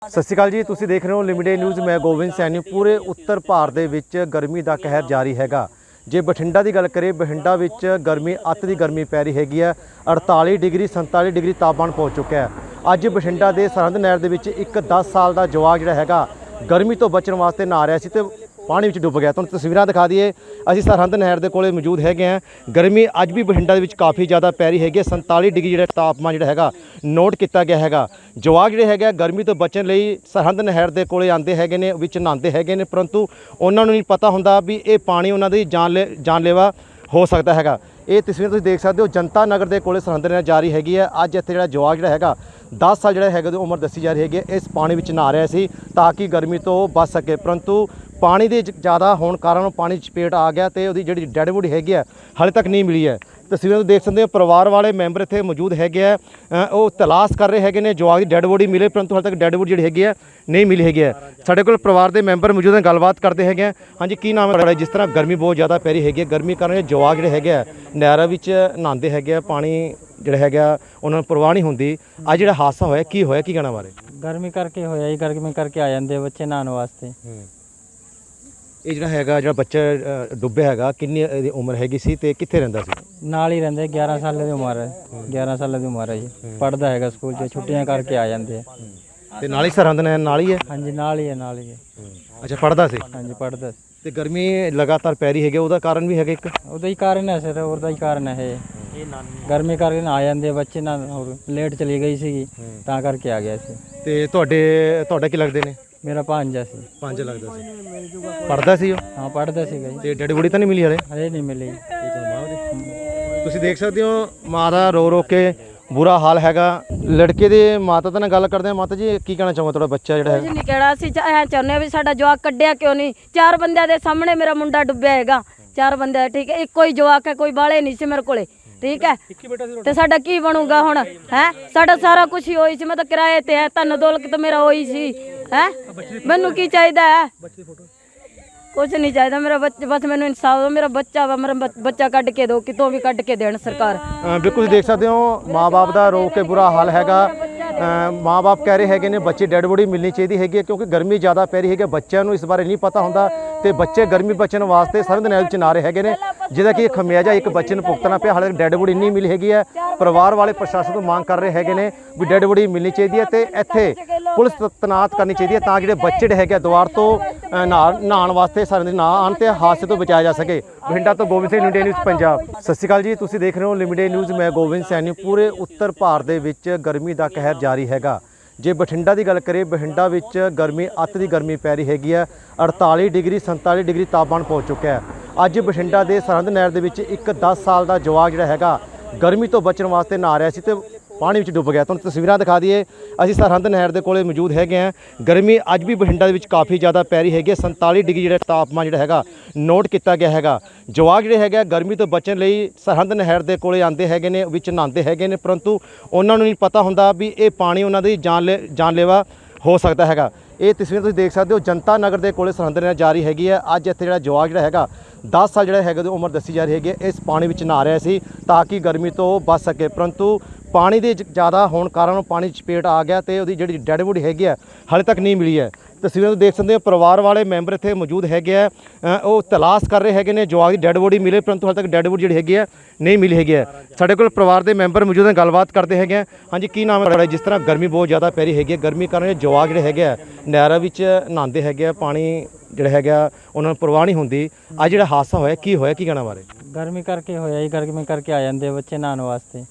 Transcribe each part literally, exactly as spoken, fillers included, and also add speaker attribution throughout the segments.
Speaker 1: ਸਤਿ ਸ਼੍ਰੀ ਅਕਾਲ ਜੀ, ਤੁਸੀਂ ਦੇਖ ਰਹੇ ਹੋ ਲਿਮਿਟਡ ਨਿਊਜ਼। ਮੈਂ ਗੋਬਿੰਦ ਸੈਣੀ। ਪੂਰੇ ਉੱਤਰ ਭਾਰਤ ਦੇ ਵਿੱਚ ਗਰਮੀ ਦਾ ਕਹਿਰ ਜਾਰੀ ਹੈਗਾ। ਜੇ ਬਠਿੰਡਾ ਦੀ ਗੱਲ ਕਰੀਏ, ਬਠਿੰਡਾ ਵਿੱਚ ਗਰਮੀ ਅੱਤ ਦੀ ਗਰਮੀ ਪੈ ਰਹੀ ਹੈਗੀ ਹੈ। ਅੜਤਾਲੀ ਡਿਗਰੀ ਸੰਤਾਲੀ ਡਿਗਰੀ ਤਾਪਮਾਨ ਪਹੁੰਚ ਚੁੱਕਿਆ ਹੈ। ਅੱਜ ਬਠਿੰਡਾ ਦੇ ਸਰਹੰਦ ਨਹਿਰ ਦੇ ਵਿੱਚ ਇੱਕ ਦਸ ਸਾਲ ਦਾ ਜਵਾਕ ਜਿਹੜਾ ਹੈਗਾ ਗਰਮੀ ਤੋਂ ਬਚਣ ਵਾਸਤੇ ਨਹਾ ਰਿਹਾ ਸੀ ਤੇ ਪਾਣੀ ਵਿੱਚ ਡੁੱਬ ਗਿਆ। ਤੁਹਾਨੂੰ ਤਸਵੀਰਾਂ ਦਿਖਾ ਦਈਏ, ਅਸੀਂ ਸਰਹੰਦ ਨਹਿਰ ਦੇ ਕੋਲੇ ਮੌਜੂਦ ਹੈਗੇ ਹਾਂ। ਗਰਮੀ ਅੱਜ ਵੀ ਬਠਿੰਡਾ ਦੇ ਵਿੱਚ ਕਾਫੀ ਜ਼ਿਆਦਾ ਪੈ ਰਹੀ ਹੈਗੀ ਹੈ। ਸੰਤਾਲੀ ਡਿਗਰੀ ਜਿਹੜਾ ਤਾਪਮਾਨ ਜਿਹੜਾ ਹੈਗਾ ਨੋਟ ਕੀਤਾ ਗਿਆ ਹੈਗਾ। ਜਵਾਕ ਜਿਹੜੇ ਹੈਗੇ ਗਰਮੀ ਤੋਂ ਬਚਣ ਲਈ ਸਰਹੰਦ ਨਹਿਰ ਦੇ ਕੋਲੇ ਆਉਂਦੇ ਹੈਗੇ ਨੇ, ਵਿੱਚ ਨਹਾਉਂਦੇ ਹੈਗੇ ਨੇ, ਪਰੰਤੂ ਉਹਨਾਂ ਨੂੰ ਨਹੀਂ ਪਤਾ ਹੁੰਦਾ ਵੀ ਇਹ ਪਾਣੀ ਉਹਨਾਂ ਦੀ ਜਾਨ ਜਾਨਲੇਵਾ ਹੋ ਸਕਦਾ ਹੈਗਾ। ਇਹ ਤਸਵੀਰ ਤੁਸੀਂ ਦੇਖ ਸਕਦੇ ਹੋ, ਜਨਤਾ ਨਗਰ ਦੇ ਕੋਲੇ ਸਰਹੰਦ ਨਹਿਰ ਜਾਰੀ ਹੈਗੀ ਹੈ। ਅੱਜ ਇੱਥੇ ਜਿਹੜਾ ਜਵਾਕ ਜਿਹੜਾ ਹੈਗਾ ਦਸ ਸਾਲ ਜਿਹੜਾ ਹੈਗਾ ਉਹਦੀ ਉਮਰ ਦੱਸੀ ਜਾ ਰਹੀ ਹੈਗੀ ਹੈ। ਇਸ ਪਾਣੀ ਵਿੱਚ ਨਹਾ ਰਿਹਾ ਸੀ ਤਾਂ ਕਿ ਗਰਮੀ ਤੋਂ ਬਚ ਸਕੇ, ਪਰੰਤੂ ਪਾਣੀ ਦੇ ਜ਼ਿਆਦਾ ਹੋਣ ਕਾਰਨ ਉਹ ਪਾਣੀ 'ਚ ਚਪੇਟ ਆ ਗਿਆ ਤੇ ਉਹਦੀ ਜਿਹੜੀ ਡੈਡ ਬੋਡੀ ਹੈਗੀ ਹੈ ਹਾਲੇ ਤੱਕ ਨਹੀਂ ਮਿਲੀ ਹੈ। ਤਸਵੀਰਾਂ ਨੂੰ ਦੇਖ ਸਕਦੇ ਹੋ, ਪਰਿਵਾਰ ਵਾਲੇ ਮੈਂਬਰ ਇੱਥੇ ਮੌਜੂਦ ਹੈਗੇ ਆ, ਉਹ ਤਲਾਸ਼ ਕਰ ਰਹੇ ਹੈਗੇ ਨੇ ਜਵਾਕ ਦੀ ਡੈਡ ਬੋਡੀ ਮਿਲੇ, ਪਰੰਤੂ ਹਾਲੇ ਤੱਕ ਡੈਡ ਬੋਡੀ ਜਿਹੜੀ ਹੈਗੀ ਹੈ ਨਹੀਂ ਮਿਲੀ ਹੈਗੀ ਹੈ। ਸਾਡੇ ਕੋਲ ਪਰਿਵਾਰ ਦੇ ਮੈਂਬਰ ਮੌਜੂਦ ਨੇ, ਗੱਲਬਾਤ ਕਰਦੇ ਹੈਗੇ ਆ। ਹਾਂਜੀ, ਕੀ ਨਾਮ ਹੈ ਤੁਹਾਡਾ? ਜਿਸ ਤਰ੍ਹਾਂ ਗਰਮੀ ਬਹੁਤ ਜ਼ਿਆਦਾ ਪੈ ਰਹੀ ਹੈਗੀ ਹੈ, ਗਰਮੀ ਕਾਰਨ ਜਵਾਕ ਜਿਹੜੇ ਹੈਗੇ ਆ ਨਹਿਰਾਂ ਵਿੱਚ ਨਹਾਉਂਦੇ ਹੈਗੇ ਆ, ਪਾਣੀ ਜਿਹੜਾ ਹੈਗਾ ਉਹਨਾਂ ਨੂੰ ਪਰਵਾਹ ਨਹੀਂ ਹੁੰਦੀ। ਅੱਜ ਜਿਹੜਾ ਹਾਦਸਾ ਹੋਇਆ, ਕੀ ਹੋਇਆ, ਕੀ ਕਹਿਣਾ ਬਾਰੇ?
Speaker 2: ਗਰਮੀ ਕਰਕੇ ਹੋਇਆ ਜੀ, ਗਰਮੀ ਕਰਕੇ ਆ ਜਾਂਦੇ ਬੱਚੇ ਨਹਾਉਣ ਵਾਸਤੇ।
Speaker 1: ਇਹ ਜਿਹੜਾ ਹੈਗਾ ਜਿਹੜਾ ਬੱਚਾ ਡੁੱਬਿਆ ਹੈਗਾ, ਕਿੰਨੀ ਇਹਦੀ ਉਮਰ ਹੈਗੀ ਸੀ ਤੇ ਕਿੱਥੇ ਰਹਿੰਦਾ ਸੀ?
Speaker 2: ਨਾਲ ਹੀ ਰਹਿੰਦੇ, ਗਿਆਰਾਂ ਸਾਲ ਦੀ ਉਮਰ ਹੈ। ਗਿਆਰਾਂ ਸਾਲ ਦੀ ਉਮਰ ਹੈ ਜੀ, ਪੜ੍ਹਦਾ ਹੈਗਾ ਸਕੂਲ 'ਚ, ਛੁੱਟੀਆਂ ਕਰਕੇ ਆ ਜਾਂਦੇ ਆ।
Speaker 1: ਤੇ ਨਾਲ ਹੀ ਸਰਹੰਦ ਨਹਿਰ ਨਾਲ ਹੀ ਹੈ?
Speaker 2: ਹਾਂਜੀ, ਨਾਲ ਹੀ ਹੈ, ਨਾਲ ਹੀ ਹੈ।
Speaker 1: ਅੱਛਾ, ਪੜ੍ਹਦਾ ਸੀ?
Speaker 2: ਹਾਂਜੀ, ਪੜ੍ਹਦਾ।
Speaker 1: ਤੇ ਗਰਮੀ ਲਗਾਤਾਰ ਪੈ ਰਹੀ ਹੈਗੀ, ਉਹਦਾ ਕਾਰਨ ਵੀ ਹੈਗਾ ਇੱਕ?
Speaker 2: ਉਹਦਾ ਹੀ ਕਾਰਨ ਹੈ ਸਰ, ਉਹਦਾ ਹੀ ਕਾਰਨ ਹੈ ਇਹ। ਗਰਮੀ ਕਰਕੇ ਆ ਜਾਂਦੇ ਬੱਚੇ ਨਾ, ਹੋਰ ਲੇਟ ਚਲੀ ਗਈ ਸੀਗੀ ਤਾਂ ਕਰਕੇ ਆ ਗਿਆ ਸੀ।
Speaker 1: ਤੇ ਤੁਹਾਡੇ ਤੁਹਾਡਾ ਕੀ ਲੱਗਦੇ ਨੇ?
Speaker 2: ਮੇਰਾ ਭਾਂਜਾ ਸੀ।
Speaker 1: ਪੰਜ ਲੱਗਦਾ ਸੀ। ਪੜ੍ਹਦਾ ਸੀ ਉਹ?
Speaker 2: ਹਾਂ, ਪੜ੍ਹਦਾ ਸੀਗਾ ਜੀ।
Speaker 1: ਤੇ ਡੈਡ ਬੋਡੀ ਤਾਂ ਨਹੀਂ ਮਿਲੀ ਹਲੇ?
Speaker 2: ਹਲੇ ਨਹੀਂ ਮਿਲੀ।
Speaker 1: ਤੁਸੀਂ ਦੇਖ ਸਕਦੇ ਹੋ, ਮਾਂ ਦਾ ਰੋ ਰੋ ਕੇ ਬੁਰਾ ਹਾਲ ਹੈਗਾ। ਲੜਕੇ ਦੇ ਮਾਤਾ ਨਾਲ ਗੱਲ ਕਰਦੇ ਆ। ਮਾਤਾ ਜੀ, ਕੀ ਕਹਿਣਾ ਚਾਹੋਗੇ? ਤੁਹਾਡਾ ਬੱਚਾ ਜਿਹੜਾ
Speaker 3: ਕੁਝ ਨਹੀਂ ਕਹਿਣਾ, ਅਸੀਂ ਐਂ ਚਾਹੁੰਦੇ ਆ ਵੀ ਸਾਡਾ ਜਵਾਕ ਕੱਢਿਆ ਕਿਉਂ ਨਹੀਂ। ਚਾਰ ਬੰਦਿਆਂ ਦੇ ਸਾਹਮਣੇ ਮੇਰਾ ਮੁੰਡਾ ਡੁੱਬਿਆ ਹੈਗਾ, ਚਾਰ ਬੰਦੇ, ਠੀਕ ਹੈ। ਇੱਕੋ ਹੀ ਜਵਾਕ ਹੈ, ਕੋਈ ਬਾਲੇ ਨਹੀਂ ਸੀ ਮੇਰੇ ਕੋਲੇ, ਠੀਕ ਹੈ। ਤੇ ਸਾਡਾ ਕੀ ਬਣੂਗਾ ਹੁਣ? ਹੈ ਸਾਡਾ ਸਾਰਾ ਕੁਝ ਹੀ ਹੋਈ ਸੀ, ਮੈਂ ਤਾਂ ਕਿਰਾਏ ਤੇ ਹੈ, ਧਨ ਦੌਲਤ ਤਾਂ ਮੇਰਾ ਹੋਈ ਸੀ। ਹੈ ਮੈਨੂੰ ਕੀ ਚਾਹੀਦਾ ਹੈ? ਕੁਝ ਨਹੀਂ ਚਾਹੀਦਾ ਮੇਰਾ ਬੱਚਾ, ਬਸ ਮੈਨੂੰ ਇਨਸਾਫ ਦਿਓ। ਮੇਰਾ ਬੱਚਾ ਵਾ, ਮੇਰਾ ਬੱਚਾ ਕੱਢ ਕੇ ਦਿਓ, ਕਿਤੋਂ ਵੀ ਕੱਢ ਕੇ ਦੇਣ ਸਰਕਾਰ।
Speaker 1: ਬਿਲਕੁਲ ਦੇਖ ਸਕਦੇ ਹੋ, ਮਾਂ-ਬਾਪ ਦਾ ਰੋ ਕੇ ਬੁਰਾ ਹਾਲ ਹੈਗਾ। ਮਾਂ-ਬਾਪ ਕਹਿ ਰਹੇ ਹੈਗੇ ਨੇ ਬੱਚੇ ਡੈਡ ਬੋਡੀ ਮਿਲਣੀ ਚਾਹੀਦੀ ਹੈਗੀ ਹੈ, ਕਿਉਂਕਿ ਗਰਮੀ ਜ਼ਿਆਦਾ ਪੈ ਰਹੀ ਹੈਗੀ। ਬੱਚਿਆਂ ਨੂੰ ਇਸ ਬਾਰੇ ਨਹੀਂ ਪਤਾ ਹੁੰਦਾ ਤੇ ਬੱਚੇ ਗਰਮੀ ਬਚਣ ਵਾਸਤੇ ਸਰਹੰਦ ਨਹਿਰ ਵਿੱਚ ਨਹਾ ਰਹੇ ਹੈਗੇ ਨੇ, ਜਿਹਦਾ ਕਿ ਖਮਿਆਜਾ ਇੱਕ ਬੱਚੇ ਨੂੰ ਭੁਗਤਣਾ ਪਿਆ। ਹਾਲੇ ਡੈਡ ਬੋਡੀ ਨਹੀਂ ਮਿਲੀ ਹੈਗੀ ਹੈ। ਪਰਿਵਾਰ ਵਾਲੇ ਪ੍ਰਸ਼ਾਸਨ ਤੋਂ ਮੰਗ ਕਰ ਰਹੇ ਹੈਗੇ ਨੇ ਵੀ ਡੈਡ ਬੋਡੀ ਮਿਲਣੀ ਚਾਹੀਦੀ ਹੈ ਤੇ ਇੱਥੇ ਪੁਲਿਸ ਤੈਨਾਤ ਕਰਨੀ ਚਾਹੀਦੀ ਹੈ ਤਾਂ ਜਿਹੜੇ ਬੱਚੇ ਜਿਹੜੇ ਹੈਗੇ ਦੁਆਰ ਤੋਂ ਨਹਾਉਣ ਵਾਸਤੇ ਸਰਹੰਦ ਨਾ ਆਉਣ ਤੇ ਹਾਦਸੇ ਤੋਂ ਬਚਾਇਆ ਜਾ ਸਕੇ। ਬਠਿੰਡਾ ਤੋਂ ਗੋਬਿੰਦ ਸਿੰਘ, ਲਿਮਿਟਡ ਨਿਊਜ਼ ਪੰਜਾਬ। ਸਤਿ ਸ਼੍ਰੀ ਅਕਾਲ ਜੀ, ਤੁਸੀਂ ਦੇਖ ਰਹੇ ਹੋ ਲਿਮਿਟਡ ਨਿਊਜ਼। ਮੈਂ ਗੋਬਿੰਦ ਸੈਣੀ। ਪੂਰੇ ਉੱਤਰ ਭਾਰਤ ਦੇ ਵਿੱਚ ਗਰਮੀ ਦਾ ਕਹਿਰ ਜਾਰੀ ਹੈਗਾ। ਜੇ ਬਠਿੰਡਾ ਦੀ ਗੱਲ ਕਰੀਏ, ਬਠਿੰਡਾ ਵਿੱਚ ਗਰਮੀ ਅੱਤ ਦੀ ਗਰਮੀ ਪੈ ਰਹੀ ਹੈਗੀ ਹੈ। ਅੜਤਾਲੀ ਡਿਗਰੀ ਸੰਤਾਲੀ ਡਿਗਰੀ ਤਾਪਮਾਨ ਪਹੁੰਚ ਚੁੱਕਿਆ ਹੈ। ਅੱਜ ਬਠਿੰਡਾ ਦੇ ਸਰਹੰਦ ਨਹਿਰ ਦੇ ਵਿੱਚ ਇੱਕ ਦਸ ਸਾਲ ਦਾ ਜਵਾਕ ਜਿਹੜਾ ਹੈਗਾ ਗਰਮੀ ਤੋਂ ਬਚਣ ਵਾਸਤੇ ਨਹਾ ਰਿਹਾ ਸੀ ਤੇ ਪਾਣੀ ਵਿੱਚ ਡੁੱਬ ਗਿਆ। ਤੁਹਾਨੂੰ ਤਸਵੀਰਾਂ ਦਿਖਾ ਦਈਏ, ਅਸੀਂ ਸਰਹੰਦ ਨਹਿਰ ਦੇ ਕੋਲੇ ਮੌਜੂਦ ਹੈਗੇ ਹਾਂ। ਗਰਮੀ ਅੱਜ ਵੀ ਬਠਿੰਡਾ ਦੇ ਵਿੱਚ ਕਾਫੀ ਜ਼ਿਆਦਾ ਪੈ ਰਹੀ ਹੈਗੀ ਹੈ। ਸੰਤਾਲੀ ਡਿਗਰੀ ਜਿਹੜਾ ਤਾਪਮਾਨ ਜਿਹੜਾ ਹੈਗਾ ਨੋਟ ਕੀਤਾ ਗਿਆ ਹੈਗਾ। ਜਵਾਕ ਜਿਹੜੇ ਹੈਗੇ ਗਰਮੀ ਤੋਂ ਬਚਣ ਲਈ ਸਰਹੰਦ ਨਹਿਰ ਦੇ ਕੋਲੇ ਆਉਂਦੇ ਹੈਗੇ ਨੇ, ਵਿੱਚ ਨਹਾਉਂਦੇ ਹੈਗੇ ਨੇ, ਪਰੰਤੂ ਉਹਨਾਂ ਨੂੰ ਨਹੀਂ ਪਤਾ ਹੁੰਦਾ ਵੀ ਇਹ ਪਾਣੀ ਉਹਨਾਂ ਦੀ ਜਾਨ ਜਾਨਲੇਵਾ ਹੋ ਸਕਦਾ ਹੈਗਾ। ਇਹ ਤਸਵੀਰ ਤੁਸੀਂ ਦੇਖ ਸਕਦੇ ਹੋ, ਜਨਤਾ ਨਗਰ ਦੇ ਕੋਲੇ ਸਰਹੰਦ ਨਹਿਰ ਜਾਰੀ ਹੈਗੀ ਹੈ। ਅੱਜ ਇੱਥੇ ਜਿਹੜਾ ਜਵਾਕ ਜਿਹੜਾ ਹੈਗਾ ਦਸ ਸਾਲ ਜਿਹੜਾ ਹੈਗਾ ਉਹਦੀ ਉਮਰ ਦੱਸੀ ਜਾ ਰਹੀ ਹੈਗੀ ਹੈ, ਇਸ ਪਾਣੀ ਵਿੱਚ ਨਹਾ ਰਿਹਾ ਸੀ ਤਾਂ ਕਿ ਗਰਮੀ ਤੋਂ ਬਚ ਸਕੇ, ਪਰੰਤੂ ਪਾਣੀ ਦੇ ਜ਼ਿਆਦਾ ਹੋਣ ਕਾਰਨ ਉਹ ਪਾਣੀ 'ਚ ਚਪੇਟ ਆ ਗਿਆ ਤੇ ਉਹਦੀ ਜਿਹੜੀ ਡੈਡ ਬੋਡੀ ਹੈਗੀ ਹੈ ਹਾਲੇ ਤੱਕ ਨਹੀਂ ਮਿਲੀ ਹੈ। ਤਸਵੀਰਾਂ ਨੂੰ ਦੇਖ ਸਕਦੇ ਹੋ, ਪਰਿਵਾਰ ਵਾਲੇ ਮੈਂਬਰ ਇੱਥੇ ਮੌਜੂਦ ਹੈਗੇ ਆ, ਉਹ ਤਲਾਸ਼ ਕਰ ਰਹੇ ਹੈਗੇ ਨੇ ਜਵਾਕ ਦੀ ਡੈਡ ਬੋਡੀ ਮਿਲੇ, ਪਰੰਤੂ ਹਾਲੇ ਤੱਕ ਡੈਡ ਬੋਡੀ ਜਿਹੜੀ ਹੈਗੀ ਹੈ ਨਹੀਂ ਮਿਲੀ ਹੈਗੀ ਹੈ। ਸਾਡੇ ਕੋਲ ਪਰਿਵਾਰ ਦੇ ਮੈਂਬਰ ਮੌਜੂਦ ਨੇ, ਗੱਲਬਾਤ ਕਰਦੇ ਹੈਗੇ ਆ। ਹਾਂਜੀ, ਕੀ ਨਾਮ ਹੈ ਤੁਹਾਡਾ? ਜਿਸ ਤਰ੍ਹਾਂ ਗਰਮੀ ਬਹੁਤ ਜ਼ਿਆਦਾ ਪੈ ਰਹੀ ਹੈਗੀ ਹੈ, ਗਰਮੀ ਕਾਰਨ ਜਵਾਕ ਜਿਹੜੇ ਹੈਗੇ ਆ ਨਹਿਰਾਂ ਵਿੱਚ ਨਹਾਉਂਦੇ ਹੈਗੇ ਆ, ਪਾਣੀ ਜਿਹੜਾ ਹੈਗਾ ਉਹਨਾਂ ਨੂੰ ਪਰਵਾਹ ਨਹੀਂ ਹੁੰਦੀ। ਅੱਜ ਜਿਹੜਾ ਹਾਦਸਾ ਹੋਇਆ, ਕੀ ਹੋਇਆ, ਕੀ ਕਹਿਣਾ ਬਾਰੇ?
Speaker 2: ਗਰਮੀ ਕਰਕੇ ਹੋਇਆ ਜੀ, ਗਰਮੀ ਕਰਕੇ ਆ ਜਾਂਦੇ ਬੱਚੇ ਨਹਾਉਣ ਵਾਸਤੇ।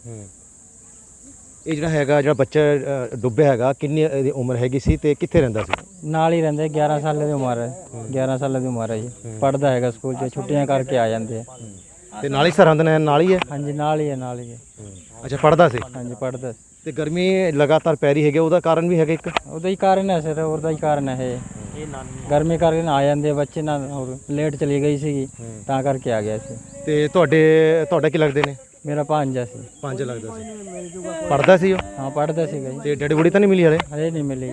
Speaker 1: ਇਹ ਜਿਹੜਾ ਹੈਗਾ ਜਿਹੜਾ ਬੱਚਾ ਡੁੱਬਿਆ ਹੈਗਾ, ਕਿੰਨੀ ਇਹਦੀ ਉਮਰ ਹੈਗੀ ਸੀ ਤੇ ਕਿੱਥੇ ਰਹਿੰਦਾ ਸੀ?
Speaker 2: ਨਾਲ ਹੀ ਰਹਿੰਦੇ, ਗਿਆਰਾਂ ਸਾਲ ਦੀ ਉਮਰ ਹੈ। ਗਿਆਰਾਂ ਸਾਲ ਦੀ ਉਮਰ ਹੈ ਜੀ, ਪੜ੍ਹਦਾ ਹੈਗਾ ਸਕੂਲ 'ਚ, ਛੁੱਟੀਆਂ ਕਰਕੇ ਆ ਜਾਂਦੇ ਆ।
Speaker 1: ਤੇ ਨਾਲ ਹੀ ਸਰਹੰਦ ਨਹਿਰ ਨਾਲ ਹੀ ਹੈ?
Speaker 2: ਹਾਂਜੀ, ਨਾਲ ਹੀ ਹੈ, ਨਾਲ ਹੀ ਹੈ।
Speaker 1: ਅੱਛਾ, ਪੜ੍ਹਦਾ ਸੀ?
Speaker 2: ਹਾਂਜੀ, ਪੜ੍ਹਦਾ।
Speaker 1: ਤੇ ਗਰਮੀ ਲਗਾਤਾਰ ਪੈ ਰਹੀ ਹੈਗੀ, ਉਹਦਾ ਕਾਰਨ ਵੀ ਹੈਗਾ ਇੱਕ?
Speaker 2: ਉਹਦਾ ਹੀ ਕਾਰਨ ਹੈ ਸਰ, ਉਹਦਾ ਹੀ ਕਾਰਨ ਹੈ ਇਹ। ਗਰਮੀ ਕਰਕੇ ਆ ਜਾਂਦੇ ਬੱਚੇ ਨਾ, ਹੋਰ ਲੇਟ ਚਲੀ ਗਈ ਸੀਗੀ ਤਾਂ ਕਰਕੇ ਆ ਗਿਆ ਸੀ।
Speaker 1: ਤੇ ਤੁਹਾਡੇ ਤੁਹਾਡਾ ਕੀ ਲੱਗਦੇ ਨੇ?
Speaker 2: ਮੇਰਾ ਭਾਂਜਾ ਸੀ।
Speaker 1: ਪੰਜ ਲੱਗਦਾ ਸੀ। ਪੜ੍ਹਦਾ ਸੀ ਉਹ?
Speaker 2: ਹਾਂ, ਪੜ੍ਹਦਾ ਸੀਗਾ ਜੀ।
Speaker 1: ਤੇ ਡੈਡ ਬੋਡੀ ਤਾਂ ਨਹੀਂ ਮਿਲੀ ਹਲੇ?
Speaker 2: ਹਲੇ ਨਹੀਂ ਮਿਲੀ।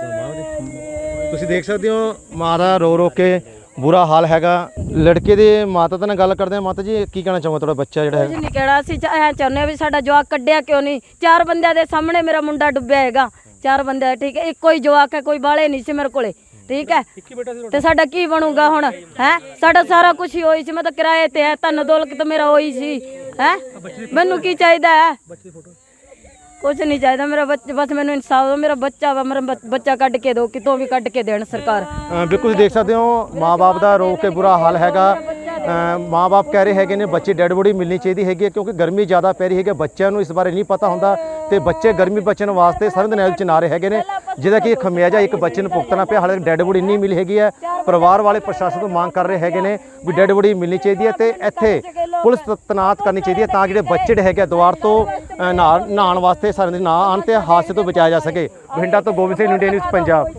Speaker 1: ਤੁਸੀਂ ਦੇਖ ਸਕਦੇ ਹੋ, ਮਾਂ ਦਾ ਰੋ ਰੋ ਕੇ ਬੁਰਾ ਹਾਲ ਹੈਗਾ। ਲੜਕੇ ਦੇ ਮਾਤਾ ਨਾਲ ਗੱਲ ਕਰਦੇ ਆ। ਮਾਤਾ ਜੀ, ਕੀ ਕਹਿਣਾ ਚਾਹੋਗੇ? ਤੁਹਾਡਾ ਬੱਚਾ ਜਿਹੜਾ
Speaker 3: ਕੁਝ ਨਹੀਂ ਕਹਿਣਾ, ਅਸੀਂ ਐਂ ਚਾਹੁੰਦੇ ਆ ਵੀ ਸਾਡਾ ਜਵਾਕ ਕੱਢਿਆ ਕਿਉਂ ਨਹੀਂ। ਚਾਰ ਬੰਦਿਆਂ ਦੇ ਸਾਹਮਣੇ ਮੇਰਾ ਮੁੰਡਾ ਡੁੱਬਿਆ ਹੈਗਾ, ਚਾਰ ਬੰਦੇ ਠੀਕ ਹੈ, ਇੱਕੋ ਹੀ ਜਵਾਕ ਹੈ, ਕੋਈ ਬਾਲੇ ਨਹੀਂ ਸੀ ਮੇਰੇ ਕੋਲੇ ਠੀਕ ਹੈ। ਤੇ ਸਾਡਾ ਕੀ ਬਣੂਗਾ ਹੁਣ ਹੈ? ਸਾਡਾ ਸਾਰਾ ਕੁਝ ਹੀ ਹੋਈ ਸੀ, ਮੈਂ ਤਾਂ ਕਿਰਾਏ ਤੇ ਹੈ, ਧਨ ਦੌਲਤ ਮੇਰਾ ਹੋਈ ਸੀ ਹੈ। ਮੈਨੂੰ ਕੀ ਚਾਹੀਦਾ ਹੈ? ਕੁਝ ਨਹੀਂ ਚਾਹੀਦਾ ਮੇਰਾ ਬੱਚਾ, ਬਸ ਮੈਨੂੰ ਇਨਸਾਫ ਦਿਓ। ਮੇਰਾ ਬੱਚਾ ਵਾ, ਮੇਰਾ ਬੱਚ- ਬੱਚਾ ਕੱਢ ਕੇ ਦਿਓ, ਕਿਤੋਂ ਵੀ ਕੱਢ ਕੇ ਦੇਣ ਸਰਕਾਰ।
Speaker 1: ਅ, ਬਿਲਕੁਲ ਤੁਸੀਂ ਦੇਖ ਸਕਦੇ ਹੋ ਮਾਂ-ਬਾਪ ਦਾ ਰੋ ਕੇ ਬੁਰਾ ਹਾਲ ਹੈਗਾ। ਅ, ਮਾਂ-ਬਾਪ ਕਹਿ ਰਹੇ ਹੈਗੇ ਨੇ ਬੱਚੇ ਡੈਡ ਬੋਡੀ ਮਿਲਣੀ ਚਾਹੀਦੀ ਹੈਗੀ ਹੈ, ਕਿਉਂਕਿ ਗਰਮੀ ਜ਼ਿਆਦਾ ਪੈ ਰਹੀ ਹੈਗੀ। ਬੱਚਿਆਂ ਨੂੰ ਇਸ ਬਾਰੇ ਨਹੀਂ ਪਤਾ ਹੁੰਦਾ ਤੇ ਬੱਚੇ ਗਰਮੀ ਬਚਣ ਵਾਸਤੇ ਸਰਦ ਨਹਿਰ ਚ ਨਾ ਰਹੇ ਹੈਗੇ ਨੇ, ਜਿਹਦਾ ਕਿ ਖਮਿਆਜਾ ਇੱਕ ਬੱਚੇ ਨੂੰ ਭੁਗਤਣਾ ਪਿਆ। ਹਾਲੇ ਡੈਡ ਬੋਡੀ ਨਹੀਂ ਮਿਲੀ ਹੈਗੀ ਹੈ। ਪਰਿਵਾਰ ਵਾਲੇ ਪ੍ਰਸ਼ਾਸਨ ਤੋਂ ਮੰਗ ਕਰ ਰਹੇ ਹੈਗੇ ਨੇ ਵੀ ਡੈਡ ਬੋਡੀ ਮਿਲਣੀ ਚਾਹੀਦੀ ਹੈ ਤੇ ਇੱਥੇ ਪੁਲਿਸ ਤ- ਤੈਨਾਤ ਕਰਨੀ ਚਾਹੀਦੀ ਹੈ, ਤਾਂ ਜਿਹੜੇ ਬੱਚੇ ਜਿਹੜੇ ਹੈਗੇ ਆ ਦੁਆਰ ਤੋਂ ਅ, ਨਹਾ- ਨਹਾਉਣ ਵਾਸਤੇ ਸਰਦ ਨਾ ਆਉਣ ਤੇ ਹਾਦਸੇ ਤੋਂ ਬਚਾਇਆ ਜਾ ਸਕੇ। ਬਠਿੰਡਾ ਤੋਂ ਗੋਬਿੰਦ ਸਿੰਘ, ਇੰਡੀਆ ਨਿਊਜ਼ ਪੰਜਾਬ।